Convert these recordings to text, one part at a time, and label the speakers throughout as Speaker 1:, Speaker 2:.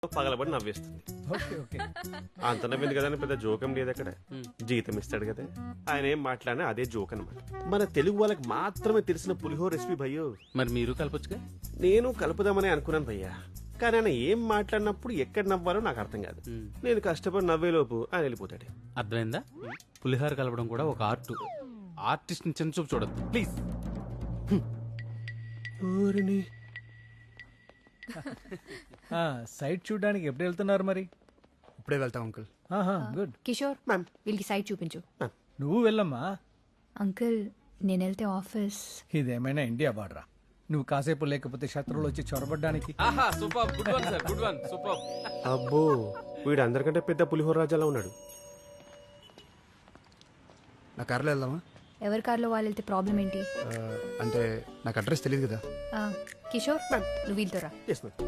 Speaker 1: పగలబడి నవ్వేస్తుంది. అంత నవ్వింది కదా అని పెద్ద జోకం లేదు అక్కడ. జీతం ఇస్తాడు కదా, ఆయన ఏం మాట్లాడినా అదే జోక్ అనమాట. మన తెలుగు వాళ్ళకి మాత్రమే తెలిసిన పులిహోర రెసిపీ భయ్యో.
Speaker 2: మరి మీరు కలపొచ్చుగా.
Speaker 1: నేను కలుపుదామని అనుకున్నాను భయ్యా, కానీ ఆయన ఏం మాట్లాడినప్పుడు ఎక్కడ నవ్వాలో నాకు అర్థం కాదు. నేను కష్టపడి నవ్వేలోపు ఆయన వెళ్ళిపోతాడు.
Speaker 2: అర్థమైందా? పులిహోర కలపడం కూడా ఒక ఆర్ట్. ఆర్టిస్ట్ ని చిన్న చూపు చూడద్దు ప్లీజ్.
Speaker 3: సైట్ చూడడానికి ఎప్పుడు వెళ్తున్నారు మరి?
Speaker 4: ఇప్పుడే వెళ్తాం అంకుల్.
Speaker 3: గుడ్.
Speaker 5: కిషోర్ వీళ్ళకి సైట్ చూపించు.
Speaker 3: నువ్వు వెళ్ళమ్మా.
Speaker 5: అంకుల్ నేను వెళ్తే ఆఫీస్.
Speaker 3: ఇదేమైనా ఇండియా బార్డరా? నువ్వు కాసేపు లేకపోతే శత్రువులు వచ్చి చొరబడ్డానికి.
Speaker 2: Super, good one sir, good one, super.
Speaker 1: అబ్బో, వీడు అందరికంటే పెద్ద పులిహోర రాజాలా ఉన్నాడు.
Speaker 4: నా కార్లో వెళ్దామా?
Speaker 5: ఎవరి కార్లో వాళ్ళు వెళ్తే ప్రాబ్లం ఏంటి?
Speaker 4: అంటే నాకు అడ్రస్ తెలియదు కదా.
Speaker 5: కిషోర్ నువ్వు వీళ్ళతో రా.
Speaker 1: Yes ma'am.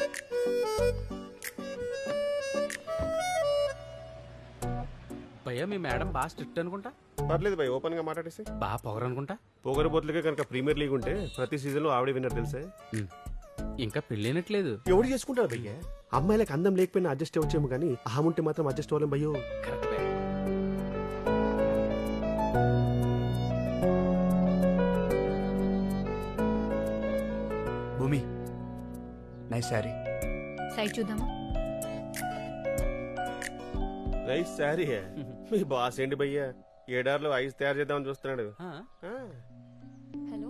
Speaker 2: భయ్యా మీ మేడం బాగా స్ట్రిక్ట్ అనుకుంటా.
Speaker 1: పర్లేదు భయ్, ఓపెన్ గా మాట్లాడేసి.
Speaker 2: బాగా పొగరనుకుంటా.
Speaker 1: పొగరబోతులకే కనుక ప్రీమియర్ లీగ్ ఉంటే ప్రతి సీజన్ లో ఆవిడే విన్నర్ తెలుసా.
Speaker 2: ఇంకా పెళ్ళైనట్లేదు.
Speaker 1: ఎవడు చేసుకుంటాడు భయ్య? అమ్మాయిలకు అందం లేకపోయినా అడ్జస్ట్ అవ్వచ్చేమో కానీ అహముంటే మాత్రం అడ్జస్ట్ అవ్వలేం భయ్యో.
Speaker 2: Correct.
Speaker 4: Bhoomi, nice sari.
Speaker 5: Site చూద్దామా?
Speaker 1: నైస్ శారీ. మీ బాస్ ఏంటి భయ్య, ఏడార్లో ఐస్ తయారు చేద్దామని చూస్తున్నాడు.
Speaker 5: హలో.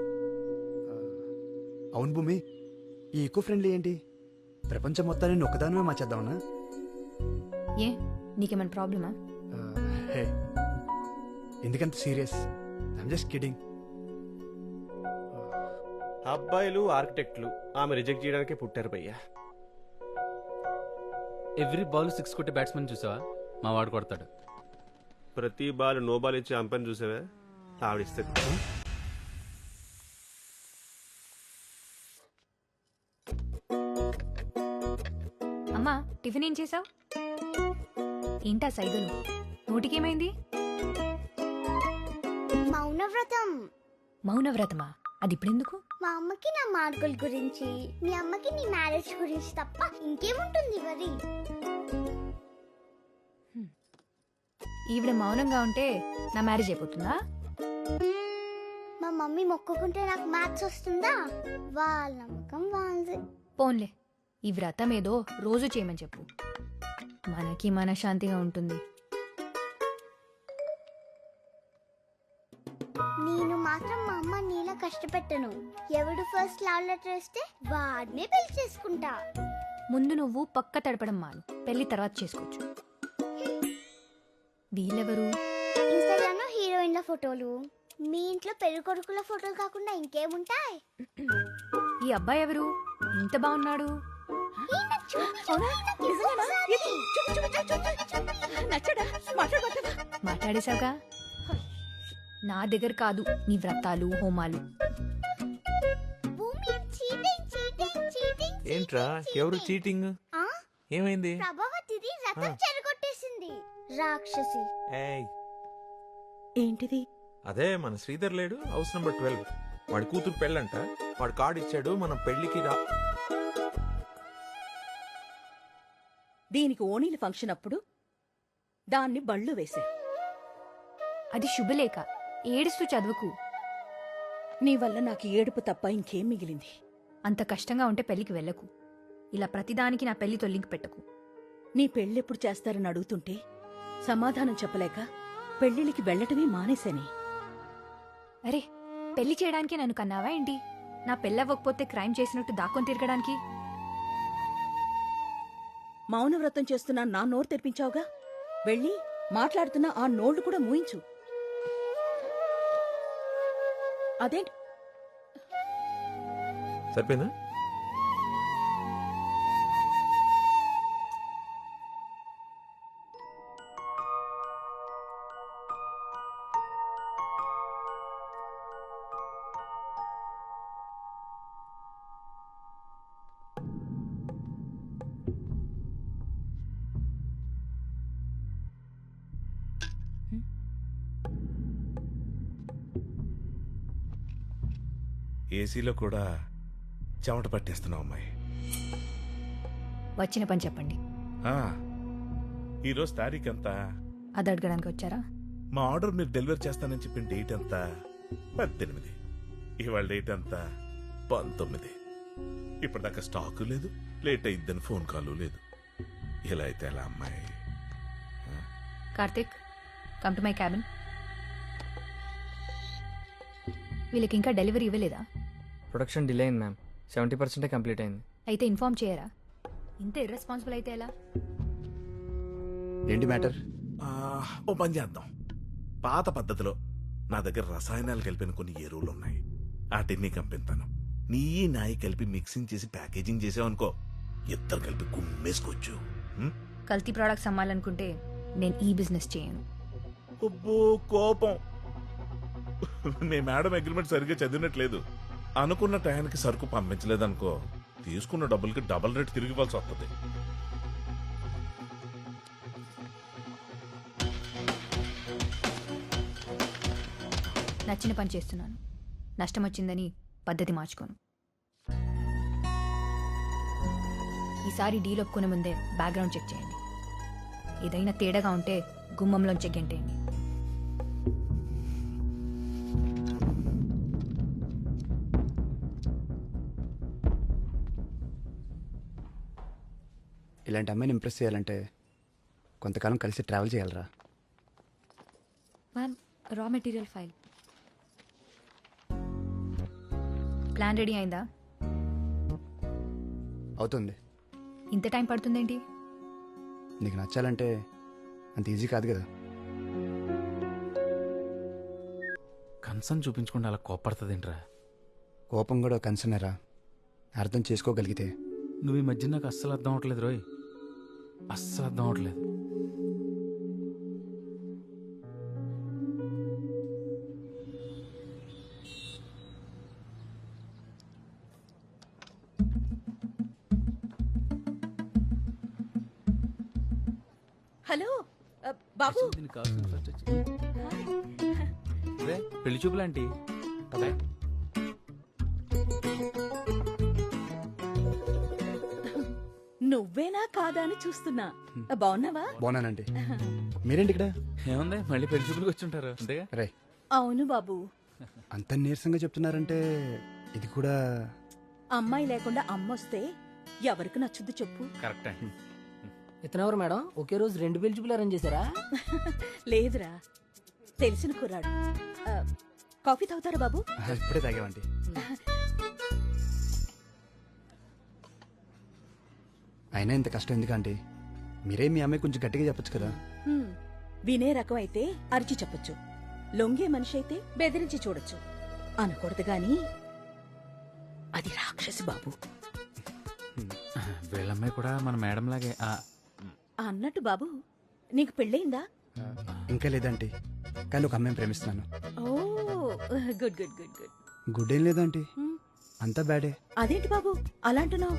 Speaker 4: అవును భూమి, ఈ ఈకో ఫ్రెండ్లీ ఏంటి? ప్రపంచం మొత్తాన్ని నేను ఒక్కదానమే మార్చేద్దామనా?
Speaker 5: ఏ నీకేమైనా ప్రాబ్లమా?
Speaker 4: హే, ఎందుకంత సీరియస్? I'm just kidding.
Speaker 1: అబ్బాయిలు ఆర్కిటెక్ట్లు ఆమె రిజెక్ట్ చేయడానికే పుట్టారు భయ్య.
Speaker 2: ఎవ్రీ బాల్ 6 కొట్టే బ్యాట్స్మెన్ చూసావా? మా వాడు కొడతాడు.
Speaker 1: ప్రతి బాల్ నో బాల్ ఇచ్చి అంపని చూసావా? ఆవిడిస్తుంది.
Speaker 5: అమ్మా టిఫిన్ ఏం చేసావు? ఏంటా సైగలు? నోటికేమైంది?
Speaker 6: మౌనవ్రతం.
Speaker 5: మౌనవ్రతమా? అది ఇప్పుడెందుకు?
Speaker 6: మా అమ్మకి నా మార్కుల గురించి, మీ అమ్మకి నీ మ్యారేజ్ గురించి తప్ప ఇంకేముంటుంది మరి?
Speaker 5: ఈవిడ మౌనంగా ఉంటే నా మ్యారేజ్ అయిపోతుందా?
Speaker 6: మా మమ్మీ మొక్కుకుంటే నాకు మ్యాథ్స్ వస్తుందా? వాళ్ళ నమ్మకం వాళ్ళది.
Speaker 5: పోన్లే, ఈ వ్రతం ఏదో రోజు చేయమని చెప్పు, మనకి మనశ్శాంతిగా ఉంటుంది.
Speaker 6: నేను మాత్రం మా అమ్మ నీలా కష్టపెట్టను. ఎవడు ఫస్ట్ లవ్ లెటర్ ఇస్తే వాడినే పెళ్లి చేసుకుంటా.
Speaker 5: ముందు నువ్వు పక్క తడపడం మాను, పెళ్లి తర్వాత చేసుకోవచ్చు. వీళ్ళెవరు?
Speaker 6: ఇన్స్టాగ్రామ్ లో హీరోయిన్ల ఫోటోలు, మీ ఇంట్లో పెళ్లి కొడుకుల ఫోటోలు కాకుండా ఇంకేముంటాయి?
Speaker 5: ఈ అబ్బాయి ఎవరు? ఇంత బాగున్నాడు. మాట్లాడేశావుగా, నా దగ్గర కాదు నీ వ్రతాలు హోమాలు.
Speaker 7: ఏంట్రా ఎవరు చీటింగ్? ఏమైంది?
Speaker 6: ప్రభావతిది రథం చెరగొట్టేసింది రాక్షసి.
Speaker 8: ఏంటిది?
Speaker 7: అదే మన శ్రీధర్ లేడు, హౌస్ నంబర్ 12. వాడి కూతురు పెళ్ళంట, వాడు కార్డు ఇచ్చాడు, మనం పెళ్లికి రా.
Speaker 8: దీనికి ఓణీల ఫంక్షన్ అప్పుడు దాన్ని బళ్ళు వేశా.
Speaker 5: అది శుభలేఖ, ఏడుస్తూ చదువుకు.
Speaker 8: నీ వల్ల నాకు ఏడుపు తప్ప ఇంకేం మిగిలింది?
Speaker 5: అంత కష్టంగా ఉంటే పెళ్లికి వెళ్ళకు. ఇలా ప్రతిదానికి నా పెళ్లితో లింక్ పెట్టకు.
Speaker 8: నీ పెళ్ళెప్పుడు చేస్తారని అడుగుతుంటే సమాధానం చెప్పలేక పెళ్లిళ్ళకి వెళ్లటమే మానేశాని.
Speaker 5: అరే, పెళ్లి చేయడానికి నన్ను కన్నావా ఏంటి? నా పెళ్ళవ్వకపోతే క్రైమ్ చేసినట్టు దాక్కొని తిరగడానికి?
Speaker 8: మౌనవ్రతం చేస్తున్నా నా నోరు తెరిపించావుగా, వెళ్ళి మాట్లాడుతున్నా ఆ నోళ్లు కూడా మూయించు. అదేంటి?
Speaker 7: సరిపోయిందా? ఏసీలో కూడా చెమట పట్టేస్తున్నావు అమ్మాయి.
Speaker 5: వచ్చిన పని చెప్పండి.
Speaker 9: ఈరోజు తారీఖు ఎంత?
Speaker 5: అది అడగడానికి వచ్చారా?
Speaker 9: మా ఆర్డర్ మీరు డెలివరీ చేస్తానని చెప్పిన డేట్ ఎంత? 18. ఇవాళ డేట్ ఎంత? 19. ఇప్పటిదాకా స్టాకు లేదు, లేట్ అయిద్దని ఫోన్ కాల్ లేదు. ఇలా అయితే ఎలా అమ్మాయి?
Speaker 5: Karthik, come to my cabin. వీళ్ళకి ఇంకా డెలివరీ ఇవ్వలేదా?
Speaker 10: ప్రొడక్షన్ డిలే అయింది మ్యామ్. 70% కంప్లీట్ అయింది.
Speaker 5: అయితే ఇన్ఫార్మ్ చేయరా? ఇంత ఇర్రెస్పాన్సిబుల్ అయితే ఎలా?
Speaker 4: ఏంటి మ్యాటర్?
Speaker 9: ఓ పని చేద్దాం. పాత పద్ధతిలో నా దగ్గర రసాయనాలు కలిపిన కొన్ని ఎరువులు ఉన్నాయి. వాటిని కంపిస్తాను. నీ నాయి కలిపి మిక్సింగ్ చేసి ప్యాకేజింగ్ చేసావనుకో, ఇద్దరు కలిపి గుమ్మేసుకోవచ్చు.
Speaker 5: కల్తీ ప్రోడక్ట్స్ అమ్మాలనుకుంటే నేను ఈ బిజినెస్ చేయను.
Speaker 9: అబ్బో కోపం. మీ మేడం అగ్రిమెంట్ సరిగ్గా చదివినట్లేదు. అనుకున్న టయానికి సరుకు పంపించలేదనుకో, తీసుకున్న డబ్బులకి డబుల్ రేట్ తిరిగి ఇవ్వాల్సి వస్తుంది.
Speaker 5: నచ్చిన పని చేస్తున్నాను. నష్టం వచ్చిందని పద్ధతి మార్చుకోను. ఈసారి డీల్ ఒప్పుకునే ముందే బ్యాక్గ్రౌండ్ చెక్ చేయండి. ఏదైనా తేడాగా ఉంటే గుమ్మంలోంచి గెంటేయండి.
Speaker 4: ఇలాంటి అమ్మాయిని ఇంప్రెస్ చేయాలంటే కొంతకాలం కలిసి ట్రావెల్ చేయాలరా.
Speaker 5: Ma'am, raw material file. Plan ready అయిందా?
Speaker 4: అవుతుంది.
Speaker 5: ఇంత టైం పడుతుందేంటి?
Speaker 4: నీకు నచ్చాలంటే అంత ఈజీ కాదు కదా.
Speaker 2: కన్సర్న్ చూపించకుండా అలా కోపడుతుందేంట్రా?
Speaker 4: కోపం కూడా కన్సర్నేరా, అర్థం చేసుకోగలిగితే.
Speaker 2: నువ్వు ఈ మధ్య నాకు అస్సలు అర్థం అవట్లేదు రోయ్, అస్సలు అర్థం అవట్లేదు.
Speaker 8: హలో బాబు.
Speaker 2: దీనికి కావాల్సిన first వచ్చి- రే, పెళ్లి చూపులాంటి
Speaker 8: నువ్వేనా కాదా అని చూస్తున్నా. బాగున్నావా?
Speaker 4: బాగున్నానండి. మీరేంటి ఇక్కడ?
Speaker 2: ఏముంది, మళ్ళీ పెళ్లి చూపులకు వచ్చి ఉంటారు అంతేగా.
Speaker 4: రే,
Speaker 8: అవును బాబు.
Speaker 4: అంత నీరసంగా చెప్తున్నారంటే ఇది కూడా.
Speaker 8: అమ్మాయి లేకుండా అమ్మొస్తే ఎవరికి నచ్చుద్ది చెప్పు?
Speaker 2: కరెక్ట్ అండి.
Speaker 10: ఇతనెవరు మేడం? ఒకే రోజు 2 పెళ్లి చూపులు అరేంజ్ చేశారా?
Speaker 8: లేదురా, తెలిసిన కుర్రాడు. కాఫీ తాగుతారా బాబు?
Speaker 4: ఇప్పుడే తాగేవండి. అయినా ఇంత కష్టం ఎందుకంటే మీరే మీ అమ్మాయి కొంచెం గట్టిగా చెప్పొచ్చు కదా.
Speaker 8: వినే రకం అయితే అరిచి చెప్పొచ్చు, లొంగే మనిషి అయితే బెదిరించి చూడొచ్చు. అనకూడదు గాని అది రాక్షసి బాబు.
Speaker 2: వీళ్ళమ్మాయి కూడా మన మేడం లాగే.
Speaker 8: అన్నట్టు బాబు, నీకు పెళ్ళయిందా?
Speaker 4: ఇంకా లేదంటే, కానీ ఒక అమ్మాయిని ప్రేమిస్తున్నాను.
Speaker 8: Oh good good good good.
Speaker 4: Good ఏం లేదంటే అంతా బ్యాడే.
Speaker 8: అదేంటి బాబు అలా అంటున్నావు?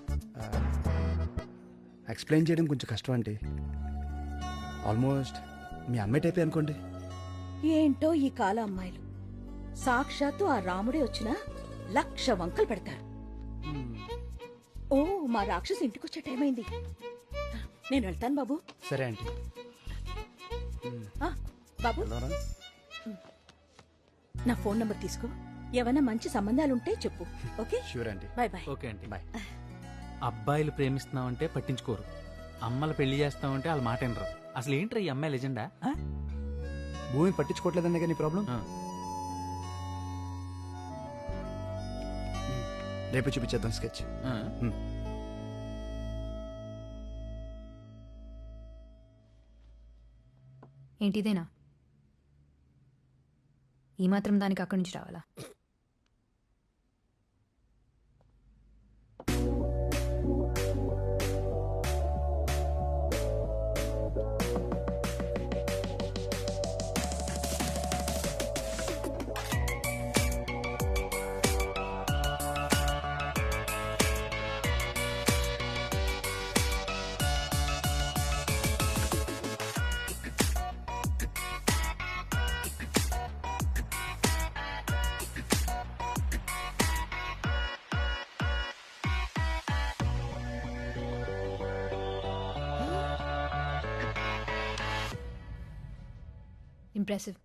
Speaker 4: ఎక్స్ప్లెయిన్ చేయడం కొంచెం కష్టం అంటే. ఆల్మోస్ట్ మీ అమ్మాయి టైపే అనుకోండి.
Speaker 8: ఏంటో ఈ కాల అమ్మాయిలు, సాక్షాత్తు ఆ రాముడే వచ్చినా 1,00,000 వంకలు పెడతారు. ఓ, మా రాక్షసు ఇంటికొచ్చే టైం అయింది. నేను వెళ్తాను బాబు.
Speaker 4: సరే ఆంటీ.
Speaker 8: బాబు, నా ఫోన్ నంబర్ తీసుకో. ఏమైనా మంచి సంబంధాలుంటే చెప్పు. Okay?
Speaker 4: Sure aunty.
Speaker 8: Bye bye.
Speaker 2: Okay అండి.
Speaker 4: బాయ్.
Speaker 2: అబ్బాయిలు ప్రేమిస్తున్నామంటే పట్టించుకోరు, అమ్మలు పెళ్లి చేస్తామంటే వాళ్ళ మాట వినరు. అసలు ఏంట్రా ఈ అమ్మాయి లెజెండా?
Speaker 4: భూమి పట్టించుకోవట్లేదనే కానీ ప్రాబ్లం. రేపు చూపించేద్దాం స్కెచ్.
Speaker 5: ఏంటిదేనా? ఈ మాత్రం దానికి అక్కడి నుంచి రావాలా? ఇంప్రెసివ్.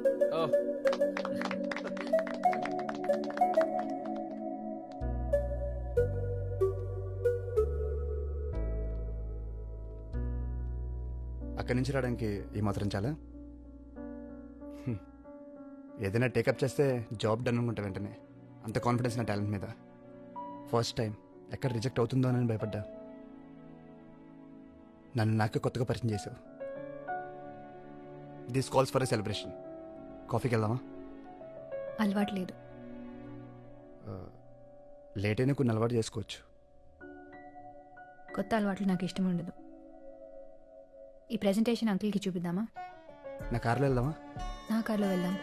Speaker 4: అక్కడి నుంచి రావడానికి ఈ మాత్రం చాలా ఏదైనా టేకప్ చేస్తే జాబ్ డన్ అనుకుంటా వెంటనే. అంత కాన్ఫిడెన్స్ నా టాలెంట్ మీద. ఫస్ట్ టైం ఎక్కడ రిజెక్ట్ అవుతుందో అని భయపడ్డా. నన్ను నాకే కొత్తగా పరిచయం చేసావు. This calls for a celebration. కాఫీకి వెళ్దామా?
Speaker 5: అలవాటు లేదు.
Speaker 4: లేట్ అయినా కొన్ని అలవాటు చేసుకోవచ్చు.
Speaker 5: కొత్త అలవాట్లు నాకు ఇష్టం ఉండదు. ఈ ప్రెజెంటేషన్ అంకుల్కి చూపిద్దామా?
Speaker 4: నా కార్లో వెళ్దామా?
Speaker 5: నా కార్లో వెళ్దాం.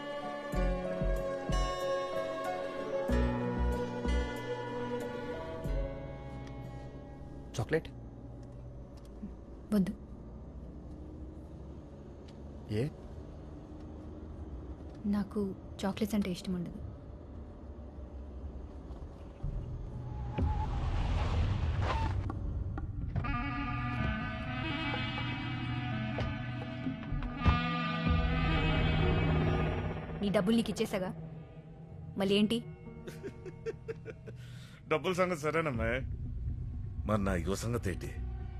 Speaker 4: చాక్లెట్
Speaker 5: వద్దు.
Speaker 4: ఏ?
Speaker 5: నాకు చాక్లెట్స్ అంటే ఇష్టం ఉండదు. నీ డబ్బులు నీకు ఇచ్చేసాగా, మళ్ళీ ఏంటి?
Speaker 9: డబ్బుల సంగతి సరేనమ్మా, మరి నా యువ సంగతి ఏంటి?